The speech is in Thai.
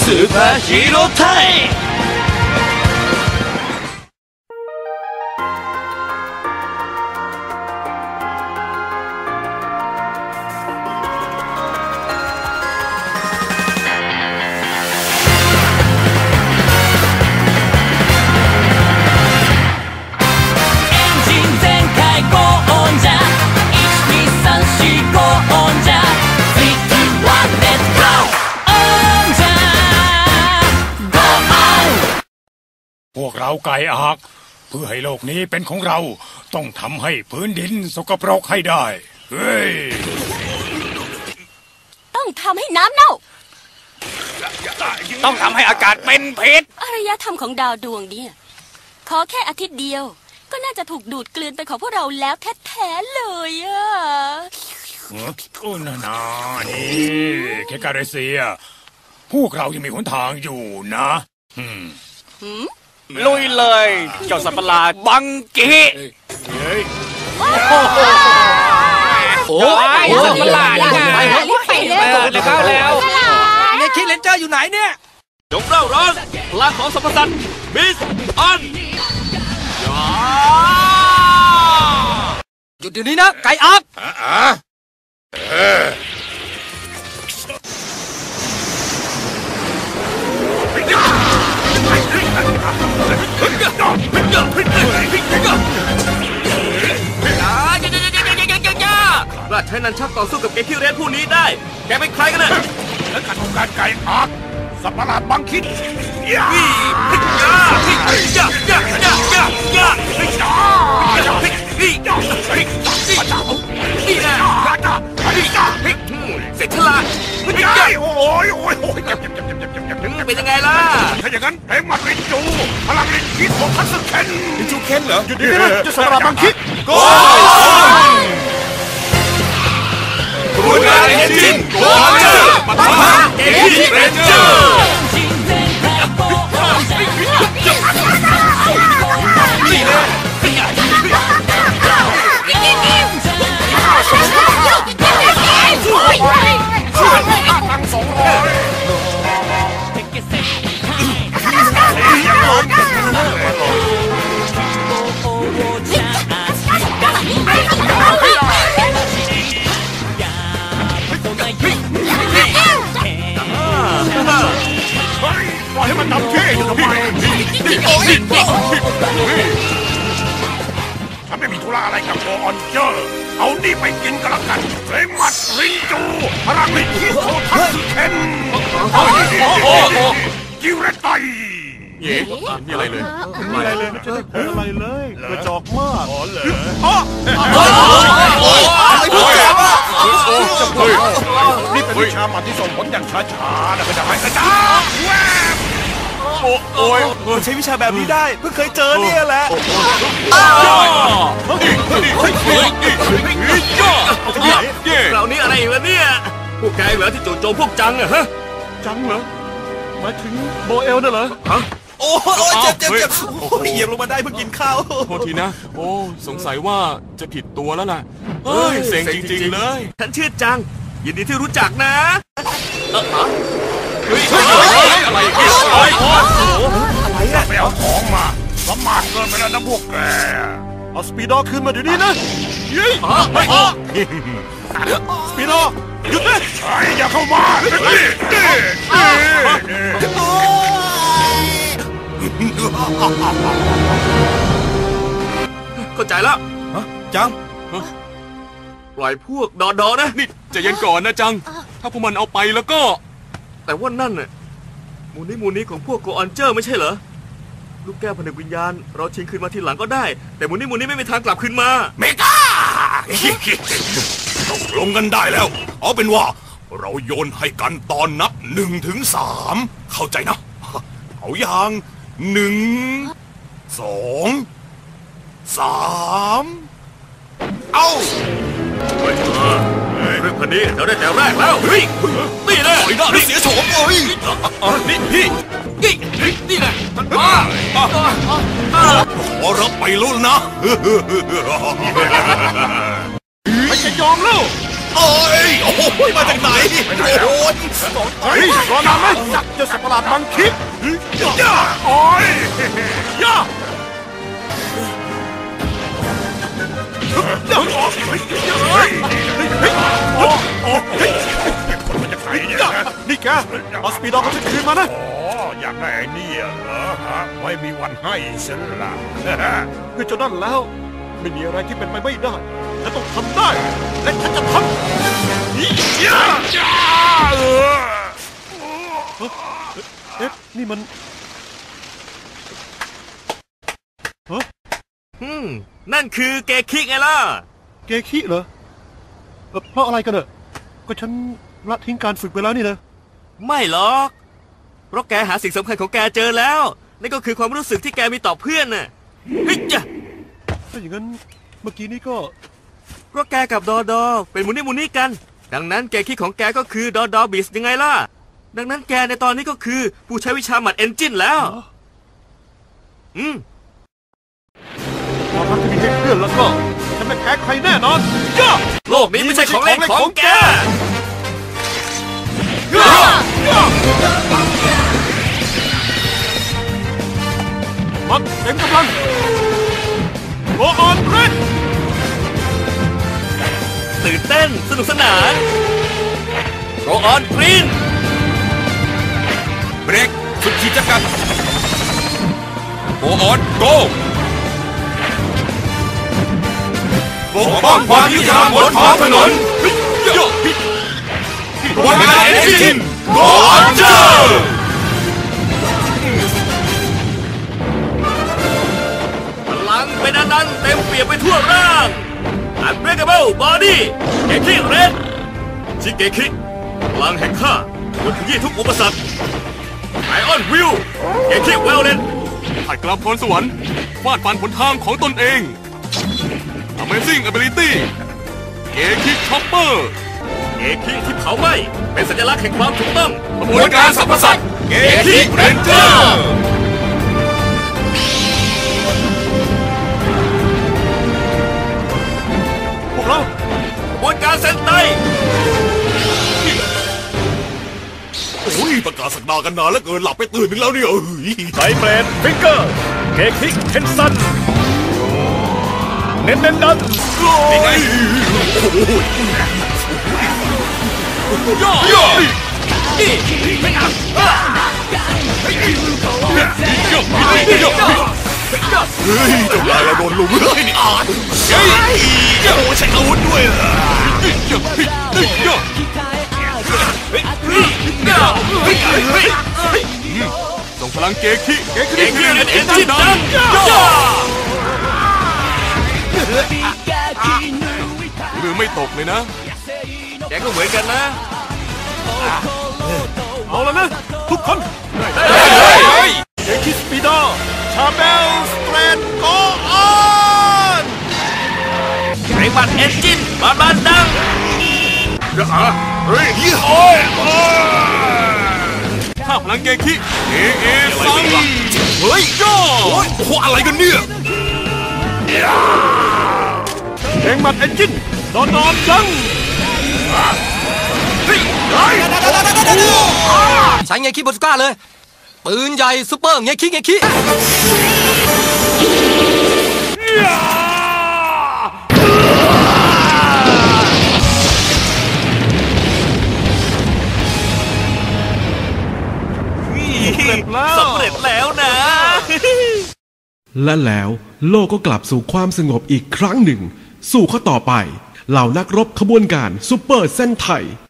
スーパーヒーロータイムพวกเราไก่อักเพื่อให้โลกนี้เป็นของเราต้องทำให้พื้นดินสกปรกให้ได้เฮ้ยต้องทำให้น้ำเน่าต้องทำให้อากาศเป็นพิษอารยธรรมของดาวดวงนี้ขอแค่อาทิตย์เดียวก็น่าจะถูกดูดกลืนเป็นของพวกเราแล้วแท้ๆเลยอ่ะโอ้นานี่แค่การเซียพวกเรายังมีหนทางอยู่นะลุยเลยเจ้าสัตว์ประหลาดบังกี้โอ้ยสัตว์ประหลาดไปเลยเข้าแล้วเนี่ยคิดเลนเจอร์อยู่ไหนเนี่ยจงเร่าร้อนพลังของสัมปสันมิสอันหยุดเดี๋ยวนี้นะไก่อักราชนันชักต่อสู้กับเกคิเรนผู้นี้ได้แกเป็นใครกันเนี่ยและการทำการไก่อักสัตว์ประหลาดบังคิดเสร็จฉลาดโอ้ยเป็นยังไงล่ะถ้าอย่างนั้นเพลงมัดลินจูพลังลินคิดของทัศเคนลินจูเคนเหรอหยุดดิจะสัตว์ประหลาดบังคิดโกรูนการเอนจินโกเจอร์ปะทะเกคิเรนเจอร์นี่เลยตั้ง200ปล่อยให้มันทำเท่อยู่ทำไมฉันไม่มีธุระอะไรกับโกออนเจอร์เอานี่ไปกินกันละกันเพลงมัดลินจูพลังลินคิโซทัสเคนกิวเรตไตเย่มีอะไรเลยไม่อะไรเลยไม่จะได้ผลอะไรเลยกระจอกมากอ๋อเหรนี่เป็นวิชาหมัดที่ส่งผลอย่างช้าๆนะก็จะให้กระจอกแวบโอ้ยใช้วิชาแบบนี้ได้เพิ่งเคยเจอเนี่ยแหละเรานี่อะไรวะเนี่ยพวกแกเหรอที่จู่โจมพวกจังอะฮะจังเหรอหมายถึงโบเอลน่ะเหรอโอ้เจ็บเหยียบลงมาได้เพิ่งกินข้าวโทษทีนะโอ้สงสัยว่าจะผิดตัวแล้วล่ะเฮ้ยเซ็งจริงๆเลยฉันชื่อจังยินดีที่รู้จักนะเฮ้ยอะไรอะไปเอาของมาสมานเกินไปแล้วนะพวกแกเอาสปีดอขึ้นมาเดี๋ยวนี้นะสปีดอหยุดนะอย่าเข้ามาเข้าใจแล้วจังปล่อยพวกดอนะนี่จะยันก่อนนะจังถ้าพวกมันเอาไปแล้วก็แต่ว่านั่นน่ะมูนี้ของพวกโกออนเจอร์ไม่ใช่เหรอลูกแก้วผนึกวิญญาณเราชิงคืนมาทีหลังก็ได้แต่มูนี้ไม่มีทางกลับคืนมาเมกาตกลงกันได้แล้วเอาเป็นว่าเราโยนให้กันตอนนับ1 ถึง 3เข้าใจนะเอาอย่าง1 2 3เอาเรื่องพันนี้เราได้แต่แรกแล้วนี่เลยนี่เสียโฉมเลยนี่แหละขอรับไปลุ้นนะไม่จะยอมแล้วโอ้ยโอ้ยมาจากไหนโอ้ยเฮ้ยรอนานไหมจับเจ้าสัตว์ประหลาดบางคิดโอ้ยย่านี่แกเอาสปีดอของฉันคืนมานะอยากได้ไอ้นี่เหรอไม่มีวันให้ฉันละเพื่อจนนั่นแล้วไม่มีอะไรที่เป็นไปไม่ได้ฉันต้องทำได้และฉันจะทำเอ๊ะนี่มันนั่นคือเกคิไงล่ะเกคิเหรอเพราะอะไรกันเนอะก็ฉันละทิ้งการฝึกไปแล้วนี่นะไม่หรอกเพราะแกหาสิ่งสำคัญของแกเจอแล้วนั่นก็คือความรู้สึกที่แกมีต่อเพื่อนน่ะเฮ้ยจ้ะถ้าอย่างนั้นเมื่อกี้นี้ก็เพราะแกกับดอดอเป็นมูนี่กันดังนั้นเกคิของแกก็คือดอดอบิสยังไงล่ะดังนั้นแกในตอนนี้ก็คือผู้ใช้วิชาหมัดเอนจินแล้วความรักที่มีให้เพื่อนแล้วก็ฉันไม่แพ้ใครแน่นอนย่าโลกนี้ไม่ใช่ของเล่นของแกมันเต็มกำลังโอออนเรดตื่นเต้นสนุกสนานโกออนกรีนเบรกสุดขีดจำกัดโกออนโกปกป้องความยุติธรรมบนท้องถนนวันเวลาเอนจินโกออนเจอร์พลังเป็นอนันต์เต็มเปี่ยมไปทั่วร่าง Unbreakable Body เกคิเรดชิเกคิพลังแห่งข้าบนขยี้ทุกอุปสรรคไอออนวิวเกคิเวลเลนผัดกลับพรสวรรค์ฟาดฟันผลทางของตนเอง Amazing Ability เกคิช็อปเปอร์เกคิที่เผาไหม้เป็นสัญลักษณ์แห่งความถูกต้องกระบวนการสรรพสัตว์เกคิเรนเจอร์พวกเรากระบวนการเซนไตโอ้ยประกาศสักดากันนานแล้วเกินหลับไปตื่นนึงแล้วเนี่ยไซเบรนฟิงเกอร์เกคิเคนซันเน้นดันนี่ไงย่อย่อเฮ้ยเจ้านายเราโดนลุมเลยนี่อ่านเฮ้ยโอ้ใช้อาวุธด้วยเหรอส่งพลังเกคิเกคิเรนเอนจินดันมือไม่ตกเลยนะแกก็เหมือนกันนะเอาแล้วนะทุกคนเกคิสปีดอชาเบลสเตรนโกออนไอบัตเอนจินบานดังเฮ้ยถ้าพลังเกคิเอซังเฮ้ยย่อโอ้ยโอ้อะไรกันเนี่ยเก่งมัดเอนจินนอนจังใช้เงคิบนสก้าเลยปืนใหญ่ซุปเปอร์เงคิสำเร็จแล้วนะและแล้วโลกก็กลับสู่ความสงบอีกครั้งหนึ่งสู่ข้อต่อไปเหล่านักรบขบวนการซูเปอร์เส้นไทย